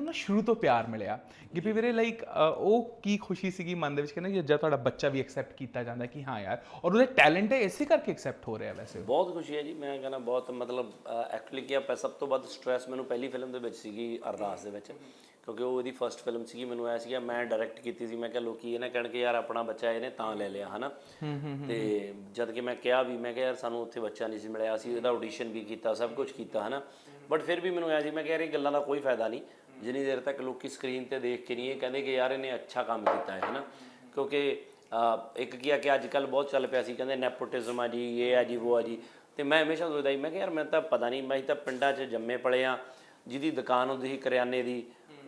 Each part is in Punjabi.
ਨਾ ਸ਼ੁਰੂ ਤੋਂ ਪਿਆਰ ਮਿਲਿਆ ਗਿੱਪੀ ਵੀਰੇ ਲਾਈਕ ਉਹ ਕੀ ਖੁਸ਼ੀ ਸੀਗੀ ਮਨ ਦੇ ਵਿੱਚ ਕਹਿੰਦੇ ਕਿ ਜਦ ਤੁਹਾਡਾ ਬੱਚਾ ਵੀ ਐਕਸੈਪਟ ਕੀਤਾ ਜਾਂਦਾ ਕਿ ਹਾਂ ਯਾਰ ਔਰ ਉਹਦੇ ਟੈਲੈਂਟ ਹੈ ਇਸੇ ਕਰਕੇ ਐਕਸੈਪਟ ਹੋ ਰਿਹਾ ਵੈਸੇ ਬਹੁਤ ਖੁਸ਼ੀ ਹੈ ਜੀ ਮੈਂ ਕਹਿੰਦਾ ਬਹੁਤ ਮਤਲਬ ਐਕਚੁਅਲੀ ਕੀ ਆ ਸਭ ਤੋਂ ਵੱਧ ਸਟ੍ਰੈਸ ਮੈਨੂੰ ਪਹਿਲੀ ਫਿਲਮ ਦੇ ਵਿੱਚ ਸੀਗੀ ਅਰਦਾਸ ਦੇ ਵਿੱਚ ਕਿਉਂਕਿ ਉਹ ਇਹਦੀ ਫਸਟ ਫਿਲਮ ਸੀਗੀ ਮੈਨੂੰ ਆਇਆ ਸੀਗਾ ਮੈਂ ਡਾਇਰੈਕਟ ਕੀਤੀ ਸੀ ਮੈਂ ਕਿਹਾ ਲੋਕੀ ਇਹ ਨਾ ਕਹਿਣ ਕਿ ਯਾਰ ਆਪਣਾ ਬੱਚਾ ਇਹਨੇ ਤਾਂ ਲੈ ਲਿਆ ਹਨਾ ਤੇ ਜਦ ਕਿ ਮੈਂ ਕਿਹਾ ਵੀ ਮੈਂ ਕਿਹਾ ਯਾਰ ਸਾਨੂੰ ਉੱਥੇ ਬੱਚਾ ਨਹੀਂ ਸੀ ਮਿਲਿਆ ਅਸੀਂ ਇਹਦਾ ਆਡੀਸ਼ਨ ਵੀ ਕੀਤਾ ਸਭ ਕੁਝ ਕੀਤਾ ਹਨਾ ਬਟ ਫਿਰ ਵੀ ਮੈਨੂੰ ਆਇਆ ਸੀ ਮੈਂ ਕਿਹਾ ਯਾਰ ਇਹ ਗੱਲਾਂ ਦਾ ਕੋਈ ਫਾਇਦਾ ਨਹੀਂ ਜਿੰਨੀ ਦੇਰ ਤੱਕ ਲੋਕੀ ਸਕਰੀਨ ਤੇ ਦੇਖ ਕੇ ਨਹੀਂ ਇਹ ਕਹਿੰਦੇ ਕਿ ਯਾਰ ਇਹਨੇ ਅੱਛਾ ਕੰਮ ਕੀਤਾ ਹੈ ਹਨਾ ਕਿਉਂਕਿ ਇੱਕ ਕੀ ਆ ਕਿ ਅੱਜ ਕੱਲ੍ਹ ਬਹੁਤ ਚੱਲ ਪਿਆ ਸੀ ਕਹਿੰਦੇ ਨੈਪੋਟਿਜ਼ਮ ਆ ਜੀ ਇਹ ਆ ਜੀ ਉਹ ਆ ਜੀ ਤੇ ਮੈਂ ਹਮੇਸ਼ਾ ਸੋਚਦਾ ਸੀ ਮੈਂ ਕਿਹਾ ਯਾਰ ਮੈਂ ਤਾਂ ਪਤਾ ਨਹੀਂ ਮੈਂ ਤਾਂ ਪਿੰਡਾਂ 'ਚ ਜੰਮੇ ਪਲੇ ਆ ਜਿਹਦੀ ਦੁਕਾਨ ਹੁੰਦੀ ਸੀ ਕਰਿਆਨੇ ਦੀ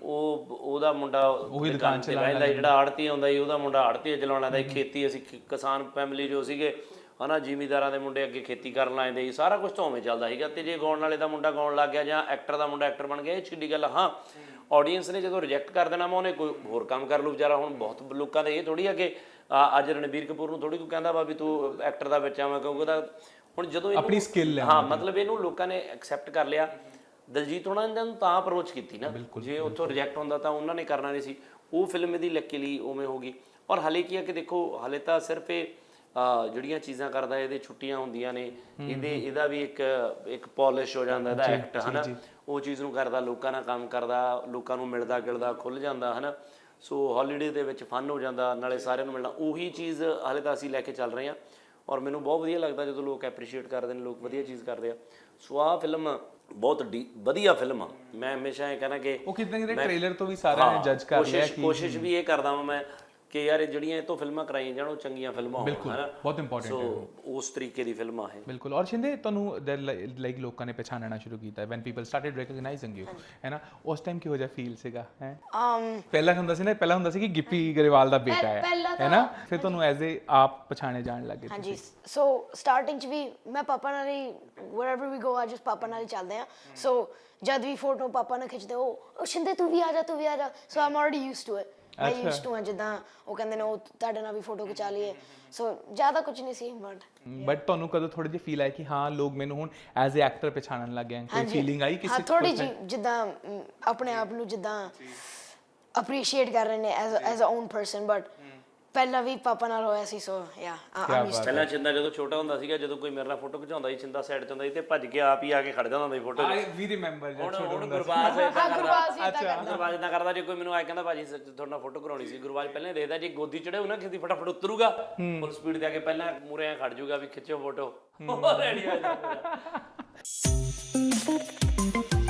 ਉਹਦਾ ਮੁੰਡਾ ਦੁਕਾਨ 'ਚ ਰਹਿੰਦਾ ਜਿਹੜਾ ਆੜਤੀ ਆਉਂਦਾ ਸੀ ਉਹਦਾ ਮੁੰਡਾ ਆੜਤੀ ਚਲਾਉਣ ਲੱਗਦਾ ਸੀ ਖੇਤੀ ਅਸੀਂ ਕਿਸਾਨ ਫੈਮਿਲੀ ਜੋ ਸੀਗੇ ਹਨਾ ਜ਼ਿਮੀਂਦਾਰਾਂ ਦੇ ਮੁੰਡੇ ਅੱਗੇ ਖੇਤੀ ਕਰਨ ਲੱਗ ਸੀ ਸਾਰਾ ਕੁਝ ਤਾਂ ਉਵੇਂ ਚੱਲਦਾ ਸੀਗਾ ਤੇ ਜੇ ਗਾਉਣ ਵਾਲੇ ਦਾ ਮੁੰਡਾ ਗਾਉਣ ਲੱਗ ਗਿਆ ਜਾਂ ਐਕਟਰ ਦਾ ਮੁੰਡਾ ਐਕਟਰ ਬਣ ਗਿਆ ਇਹ ਛਿੱਡੀ ਗੱਲ ਹਾਂ ਆਡੀਅנס ਨੇ ਜਦੋਂ ਰਿਜੈਕਟ ਕਰ ਦੇਣਾ ਮੈਂ ਉਹਨੇ ਕੋਈ ਹੋਰ ਕੰਮ ਕਰ ਲੂ ਵਿਚਾਰਾ ਹੁਣ ਬਹੁਤ ਲੋਕਾਂ ਦੇ ਇਹ ਥੋੜ੍ਹੀ ਆ ਕਿ ਅੱਜ ਰਣਬੀਰ ਕਪੂਰ ਨੂੰ ਥੋੜ੍ਹੀ ਕੋਈ ਕਹਿੰਦਾ ਵਾ ਵੀ ਤੂੰ ਐਕਟਰ ਦਾ ਬੱਚਾ ਵਾ ਕਿਉਂਕਿ ਉਹਦਾ ਹੁਣ ਜਦੋਂ ਆਪਣੀ ਸਕਿੱਲ ਹੈ ਹਾਂ ਮਤਲਬ ਇਹਨੂੰ ਲੋਕਾਂ ਨੇ ਐਕਸੈਪਟ ਕਰ ਲਿਆ ਦਲਜੀਤ ਉਹਨਾਂ ਨੇ ਇਹਨੂੰ ਤਾਂ ਅਪਰੋਚ ਕੀਤੀ ਨਾ ਜੇ ਉੱਥੋਂ ਰਿਜੈਕਟ ਹੁੰਦਾ ਤਾਂ ਉਹਨਾਂ ਨੇ ਕਰਨਾ ਨਹੀਂ ਸੀ ਉਹ ਫਿਲਮ ਇਹਦੀ ਲੱਕੀਲੀ ਉਵੇਂ ਹੋ ਗਈ ਔਰ ਹਾਲੇ ਕੀ ਆ ਕਿ ਦੇਖੋ ਹਾਲੇ ਤਾਂ ਸਿਰਫ ਇਹ ਜਿਹੜੀਆਂ ਚੀਜ਼ਾਂ ਕਰਦਾ ਇਹਦੇ ਛੁੱਟੀਆਂ ਹੁੰਦੀਆਂ ਨੇ ਇਹਦਾ ਵੀ ਇੱਕ ਪੋਲਿਸ਼ ਹੋ ਜਾਂਦਾ ਇਹਦਾ ਐਕਟ ਹਨਾ ਉਹ ਚੀਜ਼ ਨੂੰ ਕਰਦਾ ਲੋਕਾਂ ਨਾਲ ਕੰਮ ਕਰਦਾ ਲੋਕਾਂ ਨੂੰ ਮਿਲਦਾ ਗਿਲਦਾ ਖੁੱਲ੍ਹ ਜਾਂਦਾ ਹਨਾ ਸੋ ਹੌਲੀਡੇ ਦੇ ਵਿੱਚ ਫਨ ਹੋ ਜਾਂਦਾ ਨਾਲੇ ਸਾਰਿਆਂ ਨੂੰ ਮਿਲਣਾ ਉਹੀ ਚੀਜ਼ ਹਾਲੇ ਤਾਂ ਅਸੀਂ ਲੈ ਕੇ ਚੱਲ ਰਹੇ ਹਾਂ ਔਰ ਮੈਨੂੰ ਬਹੁਤ ਵਧੀਆ ਲੱਗਦਾ ਜਦੋਂ ਲੋਕ ਐਪਰੀਸ਼ੀਏਟ ਕਰਦੇ ਨੇ ਲੋਕ ਵਧੀਆ ਚੀਜ਼ ਕਰਦੇ ਆ ਸੋ ਆਹ ਫਿਲਮ ਬਹੁਤ ਵਧੀਆ ਫਿਲਮ ਆ ਮੈਂ ਹਮੇਸ਼ਾ ਇਹ ਕਹਿਣਾ ਕਿ ਉਹ ਕਿਤੇ ਨਾ ਕਿਤੇ ਟ੍ਰੇਲਰ ਤੋਂ ਵੀ ਸਾਰਿਆਂ ਨੇ ਜੱਜ ਕਰ ਲਿਆ ਕਿ ਕੋਸ਼ਿਸ਼ ਵੀ ਇਹ ਕਰਦਾ ਵਾਂ ਮੈਂ ਕਿ ਯਾਰ ਜਿਹੜੀਆਂ ਇਹ ਤੋਂ ਫਿਲਮਾਂ ਕਰਾਈਆਂ ਜਾਣ ਉਹ ਚੰਗੀਆਂ ਫਿਲਮਾਂ ਹੋਣ ਹਨਾ ਬਹੁਤ ਇੰਪੋਰਟੈਂਟ ਹੈ ਸੋ ਉਸ ਤਰੀਕੇ ਦੀ ਫਿਲਮਾਂ ਹੈ ਬਿਲਕੁਲ ਔਰ ਸ਼ਿੰਦੇ ਤੁਹਾਨੂੰ ਲਾਈਕ ਲੋਕਾਂ ਨੇ ਪਛਾਣਨਾ ਸ਼ੁਰੂ ਕੀਤਾ when people started recognising you ਹੈ ਨਾ ਉਸ ਟਾਈਮ ਕਿਹੋ ਜਿਹਾ ਫੀਲ ਸੀਗਾ ਹੈ ਪਹਿਲਾਂ ਹੁੰਦਾ ਸੀ ਕਿ ਗਿੱਪੀ ਗਰੇਵਾਲ ਦਾ ਬੇਟਾ ਹੈ ਨਾ ਫਿਰ ਤੁਹਾਨੂੰ ਐਜ਼ ਏ ਆਪ ਪਛਾਣੇ ਜਾਣ ਲੱਗੇ ਹਾਂਜੀ ਸੋ ਸਟਾਰਟਿੰਗ ਚ ਵੀ ਮੈਂ ਪਾਪਾ ਨਾਲ ਹੀ ਵੇਅਰਐਵਰ ਵੀ ਗੋ ਅੱਜ ਪਾਪਾ ਨਾਲ ਹੀ ਚੱਲਦੇ ਆ ਸੋ ਜਦ ਵੀ ਫੋਟੋ ਪਾਪਾ ਨਾਲ ਖਿੱਚਦੇ ਉਹ ਸ਼ਿੰਦੇ ਤੂੰ ਵੀ ਆ ਜਾ so I'm already used to it ਮੈਂ ਯੂਜ਼ਡ ਟੂ ਜਿੱਦਾਂ ਉਹ ਕਹਿੰਦੇ ਨੇ ਉਹ ਤੁਹਾਡੇ ਨਾਲ ਵੀ ਫੋਟੋ ਖਿਚਾ ਲਈਏ ਸੋ ਜ਼ਿਆਦਾ ਕੁਝ ਨਹੀਂ ਸੀ ਬਟ ਤੁਹਾਨੂੰ ਕਦੋਂ ਥੋੜੀ ਜਿਹੀ ਫੀਲ ਆਇਆ ਕਿ ਹਾਂ ਲੋਕ ਮੈਨੂੰ ਹੁਣ ਐਜ਼ ਏ ਐਕਟਰ ਪਛਾਣਨ ਲੱਗ ਗਏ ਕੋਈ ਫੀਲਿੰਗ ਆਈ ਕਿਸੇ ਥੋੜੀ ਜਿਹੀ ਜਿੱਦਾਂ ਆਪਣੇ ਆਪ ਨੂੰ ਜਿੱਦਾਂ ਅਪਰੀਸ਼ੀਏਟ ਕਰ ਰਹੇ ਨੇ as a own person but ਪਹਿਲਾਂ ਵੀ ਪਾਪਾ ਨਾਲ ਹੋਇਆ ਸੀ ਸੋ ਯਾ ਪਹਿਲਾਂ ਚਿੰਦਾ ਜਦੋਂ ਛੋਟਾ ਹੁੰਦਾ ਸੀਗਾ ਜਦੋਂ ਕੋਈ ਮੇਰੇ ਨਾਲ ਫੋਟੋ ਖਿਚਾਉਂਦਾ ਸੀ ਚਿੰਦਾ ਸਾਈਡ ਤੇ ਹੁੰਦਾ ਸੀ ਤੇ ਭੱਜ ਕੇ ਆਪ ਹੀ ਆ ਕੇ ਖੜ ਜਾਂਦਾ ਹੁੰਦਾ ਸੀ ਫੋਟੋ ਆਈ ਵੀ ਰਿਮੈਂਬਰ ਜਦ ਛੋਟਾ ਹੁੰਦਾ ਸੀ ਗੁਰਬਾਜ ਇਦਾਂ ਕਰਦਾ ਜੇ ਕੋਈ ਮੈਨੂੰ ਆ ਕਹਿੰਦਾ ਭਾਜੀ ਤੁਹਾਡੇ ਨਾਲ ਫੋਟੋ ਕਰਾਉਣੀ ਸੀ ਗੁਰਬਾਜ ਪਹਿਲਾਂ ਦੇਖਦਾ ਜੇ ਗੋਦੀ ਚੜੇ ਉਹਨਾਂ ਕਿਸੇ ਫਟਾਫਟ ਉਤਰੂਗਾ ਫੁੱਲ ਸਪੀਡ ਤੇ ਆ ਕੇ ਪਹਿਲਾਂ ਮੂਰੇ ਆ ਖੜ ਜਾਊਗਾ ਵੀ ਖਿੱਚੋ ਫੋਟੋ ਰੈਡੀ ਹੋ ਜਾਊਗਾ